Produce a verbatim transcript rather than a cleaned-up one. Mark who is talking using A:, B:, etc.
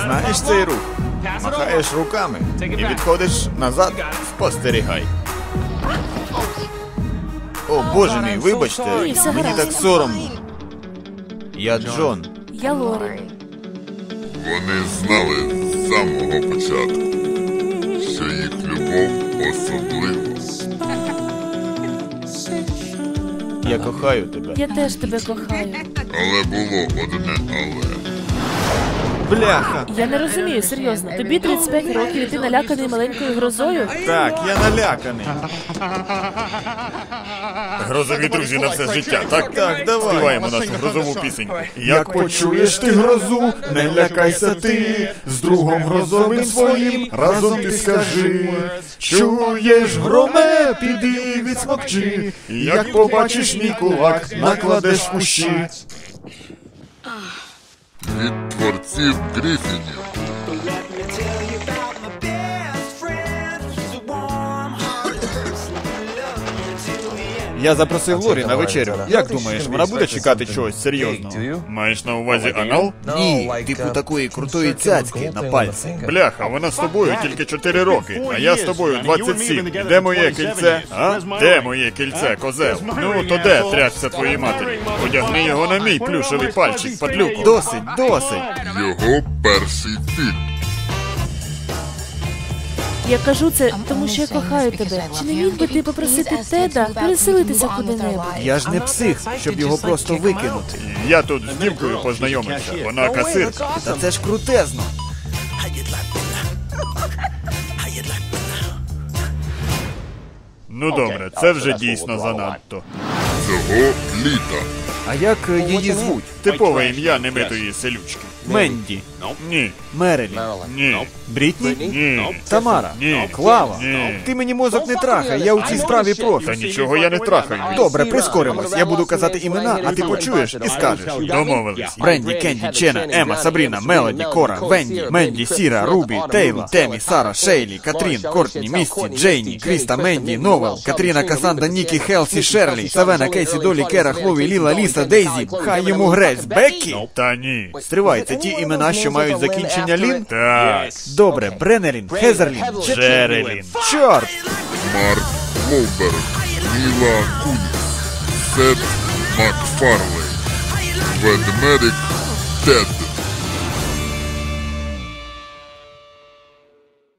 A: Знаєш цей рух? Махаєш руками і відходиш назад, спостерігай. О, Боже мій, вибачте,
B: Ні, все
A: мені
B: гаразд.
A: так соромно. Я Джон.
B: Я Лорі.
C: Вони знали з самого початку, що їх любов особлива.
A: Я кохаю тебе.
B: Я теж тебе кохаю.
C: Але було одне але.
A: Бляха!
B: Я не розумію, серйозно. Тобі тридцять п'ять років і ти наляканий маленькою грозою?
A: Так, я наляканий.
D: Грозові друзі на все життя, так?
A: Так, давай.
D: Співаємо нашу грозову пісеньку.
A: Як почуєш ти грозу, не лякайся ти, з другом грозовим своїм разом ти скажи. Чуєш, громе, піди відсмокчи, як побачиш мій кулак, накладеш у щит.
C: Від творців Грифінів.
A: Я запросив Лорі на вечерю. Як думаєш, вона буде чекати чогось серйозного?
D: Маєш на увазі анал?
A: Ні, типу такої крутої цяцьки на пальці.
D: Бляха, вона з тобою тільки чотири роки, а я з тобою двадцять сім. І де моє кільце? А? Де моє кільце, козел? Ну, то де трясся твоїй матері? Одягни його на мій плюшевий пальчик, падлюку.
A: Досить, досить.
C: Його перший фільм.
B: Я кажу це, тому що я кохаю тебе. Чи не міг би ти попросити Теда переселитися куди-небудь?
A: Я ж не псих, щоб його просто викинути.
D: Я тут з дівкою познайомився, вона касирка.
A: Та це ж крутезно.
D: Ну добре, це вже дійсно занадто.
C: Цього літа.
A: А як е, її звуть?
D: Типове ім'я немитої селючки.
A: Менді.
D: Ні,
A: Мерелін.
D: ні,
A: Брітні?
D: ні.
A: Тамара.
D: Ні.
A: Клава.
D: Ні.
A: Ти мені мозок не трахай, я у цій справі профі.
D: Та нічого я не трахаю.
A: Добре, прискоримось. Я буду казати імена, а ти почуєш і скажеш.
D: Домовились.
A: Бренді, Кенді, Чена, Ема, Сабріна, Мелоді, Кора, Венді, Менді, Сіра, Рубі, Тейла, Темі, Сара, Шейлі, Катрін, Кортні, Місті, Джейні, Кріста, Менді, Новел, Катріна, Касанда, Нікі, Хелсі, Шерлі, Савена, Кейсі, Долі, Кера, Хлові, Ліла, Ліса, Дейзі, хай йому грець, Беккі.
D: Та ні.
A: Стривай, це ті імена, що мають закінчення Лін?
D: Так,
A: Добре, Бреннелін, Хезерлін,
D: Джерелін.
A: Чорт!
C: Марк Волберг. Міла Куніс. Сет Макфарлей. Ведмедик Тед.